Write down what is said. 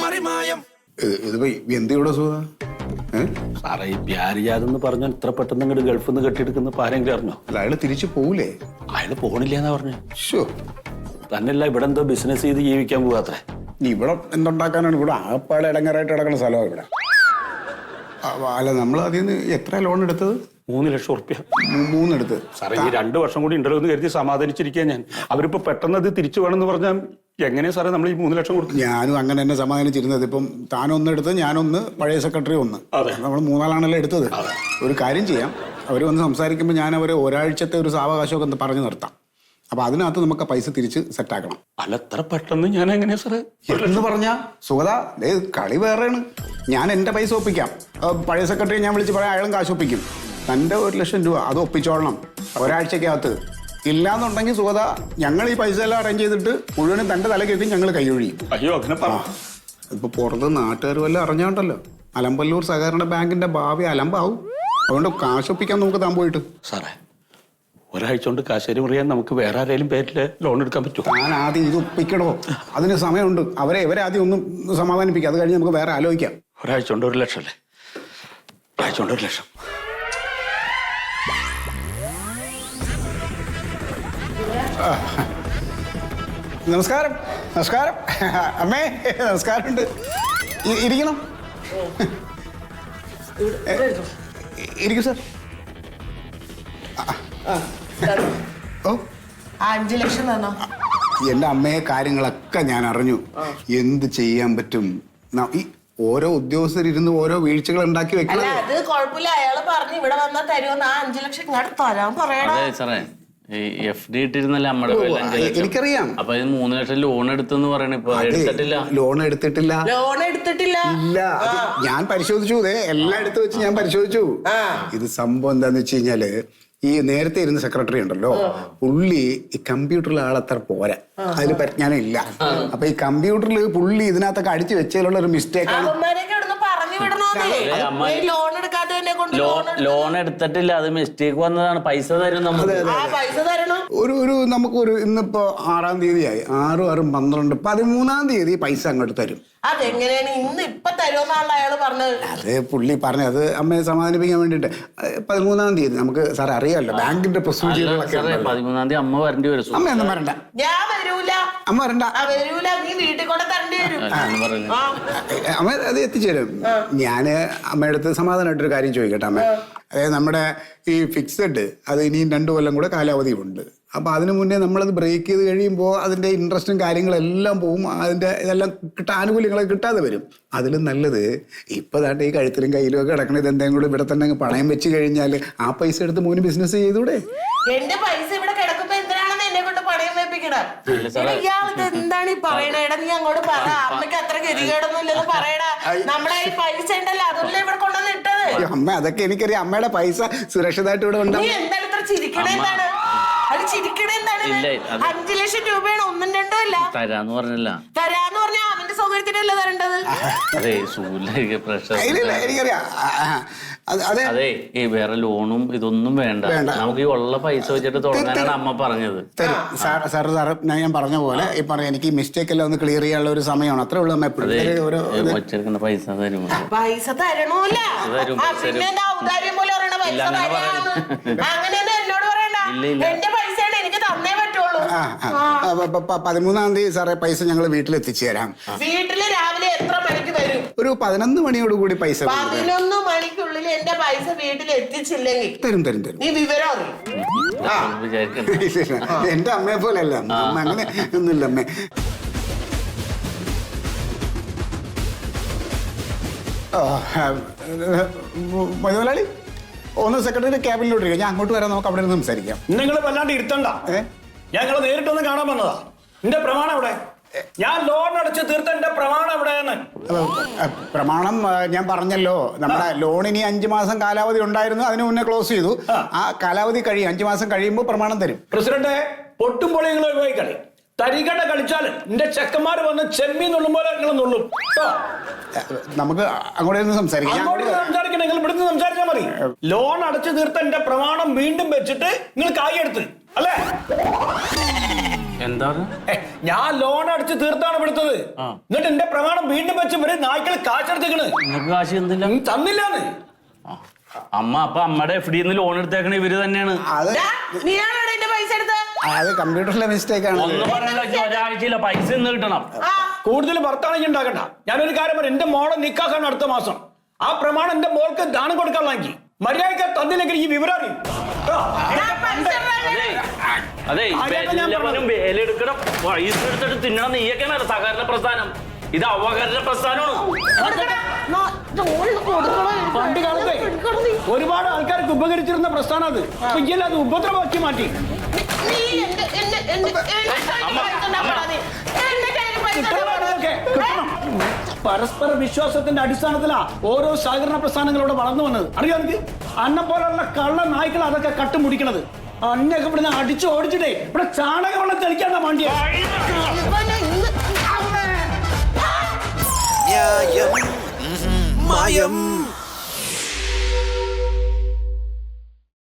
എന്തിവിടെ സുഖ സാറേ ഈ പ്യാരിജാതെന്ന് പറഞ്ഞാൽ ഇത്ര പെട്ടെന്ന് ഇങ്ങോട്ട് ഗൾഫിൽ നിന്ന് കെട്ടിയെടുക്കുന്ന ആരെങ്കിലും അറിഞ്ഞോ? അല്ല അയാള് തിരിച്ചു പോകൂലേ? അയാൾ പോണില്ലെന്നാ പറഞ്ഞു. ഷോ തന്നെയല്ല ഇവിടെ എന്തോ ബിസിനസ് ചെയ്ത് ജീവിക്കാൻ പോകാത്രേ. ഇവിടെ എന്തുണ്ടാക്കാനാണ്? ഇവിടെ ആപ്പാടെ ഇടങ്ങറായിട്ട് കിടക്കുന്ന സ്ഥലമാണ് ഇവിടെ. അല്ല നമ്മൾ അതിൽ നിന്ന് എത്ര ലോൺ എടുത്തത്? 3 ലക്ഷം ഉറുപ്പ്യ. 3 എടുത്ത്. സാറേ ഈ 2 വർഷം കൂടി ഉണ്ടല്ലോ എന്ന് കരുതി സമാധാനിച്ചിരിക്കാൻ ഞാൻ. അവരിപ്പോ പെട്ടെന്ന് അത് തിരിച്ചു വേണമെന്ന് പറഞ്ഞാൽ എങ്ങനെയാ സാറേ നമ്മൾ ഈ 3 ലക്ഷം കൊടുത്തു? ഞാനും അങ്ങനെ തന്നെ സമാധാനിച്ചിരുന്നത്. ഇപ്പം താനൊന്ന് എടുത്ത് ഞാനൊന്ന് പഴയ സെക്രട്ടറി ഒന്ന്, നമ്മൾ 3 ആളാണല്ലോ എടുത്തത്. ഒരു കാര്യം ചെയ്യാം, അവർ വന്ന് സംസാരിക്കുമ്പോൾ ഞാൻ അവരെ ഒരാഴ്ചത്തെ ഒരു സാവകാശമൊക്കെ ഒന്ന് പറഞ്ഞു നിർത്താം. അപ്പൊ അതിനകത്ത് നമുക്ക് പൈസ തിരിച്ച് സെറ്റാക്കണം. അല്ല എത്ര പെട്ടെന്ന് ഞാൻ എങ്ങനെയാ സാറേ എന്ന് പറഞ്ഞാ സുഗത, കളി വേറെയാണ്. ഞാൻ എന്റെ പൈസ ഒപ്പിക്കാം. പഴയ സെക്രട്ടറി ഞാൻ വിളിച്ച് പറയാം, അയാളും കാശ് ഒപ്പിക്കും. തന്റെ 1 ലക്ഷം രൂപ അത് ഒപ്പിച്ചോളണം ഒരാഴ്ചക്കകത്ത്. ഇല്ലാന്നുണ്ടെങ്കിൽ സുഗത, ഞങ്ങൾ ഈ പൈസ എല്ലാം അറേഞ്ച് ചെയ്തിട്ട് മുഴുവനും തന്റെ തലക്കെത്തി ഞങ്ങൾ കൈയൊഴിയും. അയ്യോ അങ്ങനെ ഇപ്പൊ പുറത്ത് നാട്ടുകാർ വല്ലതും അറിഞ്ഞോണ്ടല്ലോ അലമ്പല്ലൂർ സഹകരണ ബാങ്കിന്റെ ഭാവി അലമ്പാവും. അതുകൊണ്ട് കാശ് ഒപ്പിക്കാൻ നമുക്ക് താൻ പോയിട്ട്. സാറേ ഒരാഴ്ച കൊണ്ട് കാശേരി മുറിയാൻ നമുക്ക് വേറെ ആരെങ്കിലും പേരിൽ ലോൺ എടുക്കാൻ പറ്റുമോ? ഞാൻ ആദ്യം ഇത് ഒപ്പിക്കണോ, അതിന് സമയമുണ്ട്. ഇവരെ ആദ്യം ഒന്നും സമാധാനിപ്പിക്കാം, അത് കഴിഞ്ഞ് നമുക്ക് വേറെ ആലോചിക്കാം. ഒരാഴ്ച കൊണ്ട് 1 ലക്ഷം അല്ലേ? ഒരാഴ്ച കൊണ്ട് 1 ലക്ഷം. നമസ്കാരം. നമസ്കാരം അമ്മേ, നമസ്കാരമുണ്ട്. ഇരിക്കണം. ഇരിക്കൂ സാർ. ഓ 5 ലക്ഷം തന്നോ? എന്റെ അമ്മയെ കാര്യങ്ങളൊക്കെ ഞാൻ അറിഞ്ഞു. എന്ത് ചെയ്യാൻ പറ്റും? ഈ ഓരോ ഉദ്യോഗസ്ഥരിരുന്ന് ഓരോ വീഴ്ചകൾ ഉണ്ടാക്കി വെക്കണം. അത് കുഴപ്പമില്ല, അയാള് പറഞ്ഞു ഇവിടെ വന്നാൽ തരുമെന്ന്. ആ 5 ലക്ഷം ഇങ്ങോട്ട് തരാൻ പറയണേ. FD ഇട്ടിരുന്നല്ലേ അമ്മയുടെ എനിക്കറിയാം. അപ്പൊ 3 ലക്ഷം ലോൺ എടുത്തെന്ന് പറയണ. ഇപ്പൊ എടുത്തിട്ടില്ല. ലോൺ എടുത്തിട്ടില്ല. ഇല്ല, ഞാൻ പരിശോധിച്ചു. എല്ലാം എടുത്തു വെച്ച് ഞാൻ പരിശോധിച്ചു. ഇത് സംഭവം എന്താന്ന് വെച്ച് കഴിഞ്ഞാല്, ഈ നേരത്തെ ഇരുന്ന സെക്രട്ടറി ഉണ്ടല്ലോ, പുള്ളി ഈ കമ്പ്യൂട്ടറിൽ ആളത്ര പോരാ, അതിൽ പരിജ്ഞാനം ഇല്ല. അപ്പൊ ഈ കമ്പ്യൂട്ടറിൽ പുള്ളി ഇതിനകത്തൊക്കെ അടിച്ചു വെച്ചതിലുള്ള ഒരു മിസ്റ്റേക്ക് ആണ്. ലോൺ എടുത്തിട്ടില്ല, അത് മിസ്റ്റേക്ക് വന്നതാണ്. പൈസ തരും നമുക്ക്. ഒരു നമുക്കൊരു ഇന്നിപ്പോ 6-ാം തീയതിയായി. 6, 6, 12, 13-ാം തീയതി പൈസ അങ്ങോട്ട് തരും. അതെങ്ങനെയാണ് ഇന്ന് ഇപ്പൊ തരുമെന്നാണല്ലോ അയാള് പറഞ്ഞത്? അത് പുള്ളി പറഞ്ഞത് അമ്മയെ സമാധാനിപ്പിക്കാൻ വേണ്ടിട്ട്. 13-ാം തീയതി നമുക്ക് സാർ അറിയാമല്ലോ ബാങ്കിന്റെ പ്രൊസീജിയറുകളൊക്കെ. 13-ാം തീയതി അമ്മ വരേണ്ടി വരും. അമ്മ ഒന്നും വരണ്ട. ഞാൻ വരൂല. അമ്മ വരണ്ട. വരൂല, നീ വീട്ടിൽ കൊണ്ട് തരേണ്ടി വരും. അമ്മ അത് എത്തിച്ചേരും. ഞാന് അമ്മയുടെ അടുത്ത് സമാധാനമായിട്ടൊരു കാര്യം ചോദിക്കട്ടെ അമ്മ. അതായത് നമ്മുടെ ഈ ഫിക്സഡ് അത് ഇനിയും 2 കൊല്ലം കൂടെ കാലാവധി ഉണ്ട്. അപ്പൊ അതിനു മുന്നേ നമ്മളത് ബ്രേക്ക് ചെയ്ത് കഴിയുമ്പോൾ അതിന്റെ ഇൻട്രസ്റ്റും കാര്യങ്ങളെല്ലാം പോവും. അതിന്റെ ഇതെല്ലാം ആനുകൂല്യങ്ങളൊക്കെ കിട്ടാതെ വരും. അതിലും നല്ലത് ഇപ്പൊ ദാണ്ട് ഈ കഴുത്തിലും കയ്യിലും ഒക്കെ കിടക്കണ ഇതെന്തെങ്കിലും കൂടെ ഇവിടെ തന്നെ പണയം വെച്ച് കഴിഞ്ഞാൽ ആ പൈസ എടുത്ത് മോന് ബിസിനസ് ചെയ്തൂടെ? എന്റെ പൈസ ഇവിടെ കിടക്കുമ്പോ എന്തിനാണെന്ന് എന്നെ കൊണ്ട് പണയം വെപ്പിക്കണം? ഇയാൾക്ക് എന്താണ് ഈ പറയണേ? നീ അങ്ങോട്ട് പറ. അമ്മയ്ക്ക് അത്ര ഗതികേടൊന്നും ഇല്ലെന്ന് പറയടാ. നമ്മളെ ഈ പൈസ ഉണ്ടല്ലോ അതല്ലേ ഇവിടെ കൊണ്ടുവന്ന് ഇട്ടത്. അമ്മ അതൊക്കെ എനിക്കറിയാം. അമ്മയുടെ പൈസ സുരക്ഷിതമായിട്ട് ഇവിടെ ഉണ്ട്. നീ എന്താണ് ഇത്ര ചിരിക്കണേ? എന്താണ് അത് ചിരിക്കണേ? എന്താണ് 5 ലക്ഷം രൂപയാണ്, 1ഉം 2ഉം അല്ല. തരാന്ന് പറഞ്ഞില്ല. തരാന്ന് പറഞ്ഞാൽ അവന്റെ സൗകര്യത്തിനല്ലേ തരേണ്ടത്? അതെ പ്രഷർ. എനിക്കറിയാം. അതെ ഈ വേറെ ലോണും ഇതൊന്നും വേണ്ട. നമുക്ക് ഈ ഉള്ള പൈസ വെച്ചിട്ട് തുടങ്ങാനാണ് അമ്മ പറഞ്ഞത്. സാറ് ഞാൻ പറഞ്ഞ പോലെ ഈ പറയാം, എനിക്ക് മിസ്റ്റേക്ക് എല്ലാം ഒന്ന് ക്ലിയർ ചെയ്യാനുള്ള ഒരു സമയമാണ്. അത്രേ ഉള്ളൂ. വെച്ചിരിക്കുന്ന പൈസ തരും. പൈസ തരണോല്ല. പിന്നെ ഔദാര്യം പോലെ പറയണ പൈസ അങ്ങനെയൊന്നും എന്നോട് പറയണ്ട. എന്റെ പൈസയാണ്, എനിക്ക് തന്നേ പറ്റുള്ളൂ. 13-ാം തീയതി സാറേ പൈസ ഞങ്ങൾ വീട്ടിലെത്തിച്ചു തരാം. വീട്ടില് രാവിലെ എത്ര മണിക്ക് വരും? ഒരു 11 മണിയോടുകൂടി പൈസ. 11 മണിക്കുള്ളിൽ എന്റെ പൈസ വീട്ടിൽ എത്തിച്ചില്ലെങ്കിൽ തരും. നീ വിവരം എന്റെ അമ്മയെ പോലെ അല്ല അമ്മ, അങ്ങനെ ഒന്നുമില്ല അമ്മേ. മുതലാളി ഒന്ന് സെക്രട്ടറി ക്യാബിനിലോട്ട് ഞാൻ അങ്ങോട്ട് വരാം. നമുക്ക് അവിടെ നിന്ന് സംസാരിക്കാം. നിങ്ങൾ വല്ലാണ്ട് ഇരുത്തണ്ട. ഞങ്ങൾ നേരിട്ടൊന്ന് കാണാൻ വന്നതാ. എന്റെ പ്രമാണം എവിടെ? ഞാൻ ലോൺ അടച്ച് തീർത്ത എന്റെ പ്രമാണം എവിടെയാണ്? പ്രമാണം ഞാൻ പറഞ്ഞല്ലോ, നമ്മുടെ ലോണിന് 5 മാസം കാലാവധി ഉണ്ടായിരുന്നു. അതിന് മുന്നേ ക്ലോസ് ചെയ്തു. ആ കാലാവധി കഴിയും. 5 മാസം കഴിയുമ്പോൾ പ്രമാണം തരും. പ്രസിഡന്റ്, പൊട്ടും പൊളികൾ ഒഴിവായിക്കളി. തരികട കളിച്ചാൽ എന്റെ ചെക്കന്മാർ വന്ന് ചെമ്മീൻ നുള്ളും പോലെ നിങ്ങൾ നുള്ളും. നമുക്ക് അങ്ങോട്ട് സംസാരിക്കാം. നിങ്ങൾ ഇവിടുന്ന് സംസാരിച്ചാൽ മതി. ലോൺ അടച്ചു തീർത്ത എന്റെ പ്രമാണം വീണ്ടും വെച്ചിട്ട് നിങ്ങൾ കായെടുത്ത് അല്ലേ? എന്താ ഞാൻ ലോൺ അടിച്ച് തീർത്താണ് എടുത്തത്. എന്നിട്ട് എന്റെ പ്രമാണം വീണ്ടും വെച്ച് ഇവര് നായ്ക്കൾ കാശെടുത്തേക്കണ്. നിങ്ങൾക്ക് കാശ് എന്തില്ല തന്നില്ലാന്ന്. അമ്മ അപ്പൊ അമ്മയുടെ FD ലോൺ എടുത്തേക്കണ ഇവര് തന്നെയാണ്. അത് നീയാണോ എന്റെ പൈസ എടുത്തത്? അത് കമ്പ്യൂട്ടറിലെ മിസ്റ്റേക്ക് ആണ്. ഒന്നും പറഞ്ഞില്ല, ഒരാഴ്ചയില്ല പൈസ ഇന്ന് കിട്ടണം. കൂടുതൽ ഭർത്താണെങ്കിൽ ഉണ്ടാക്കണ്ട. ഞാനൊരു കാര്യം പറയാം, എന്റെ മോളെ നിക്കാക്കാണ് അടുത്ത മാസം. ആ പ്രമാണം എന്റെ മോൾക്ക് ദാനം കൊടുക്കാനുള്ളെങ്കിൽ മര്യാദയ്ക്ക് തന്നില്ലെങ്കിൽ ഈ വിവരം അറിയും. അതെ എല്ലാവരും വേലെടുക്കണം, പൈസ എടുത്തിട്ട് തിന്നണം. നീയൊക്കെയാണ് സഹകരണ പ്രസ്ഥാനം, ഇത് അവകരണ പ്രസ്ഥാനമാണ്. പണ്ട് കാലത്തെ ഒരുപാട് ആൾക്കാർക്ക് ഉപകരിച്ചിരുന്ന പ്രസ്ഥാനം അത്. ഇല്ല, അത് ഉപദ്രവമാക്കി മാറ്റി. പരസ്പര വിശ്വാസത്തിന്റെ അടിസ്ഥാനത്തിലാ ഓരോ സഹകരണ പ്രസ്ഥാനങ്ങളോട് വളർന്നു വന്നത്. അറിയാം എനിക്ക് അന്നെ പോലുള്ള കള്ള നായ്ക്കൾ അതൊക്കെ കട്ടുമുടിക്കണത്. അന്നൊക്കെ ഇവിടുന്ന് അടിച്ചു ഓടിച്ചിട്ടേ ഇവിടെ ചാണകവെള്ളം തെളിക്കാണ്ട വണ്ടിയ. ന്യായം മായം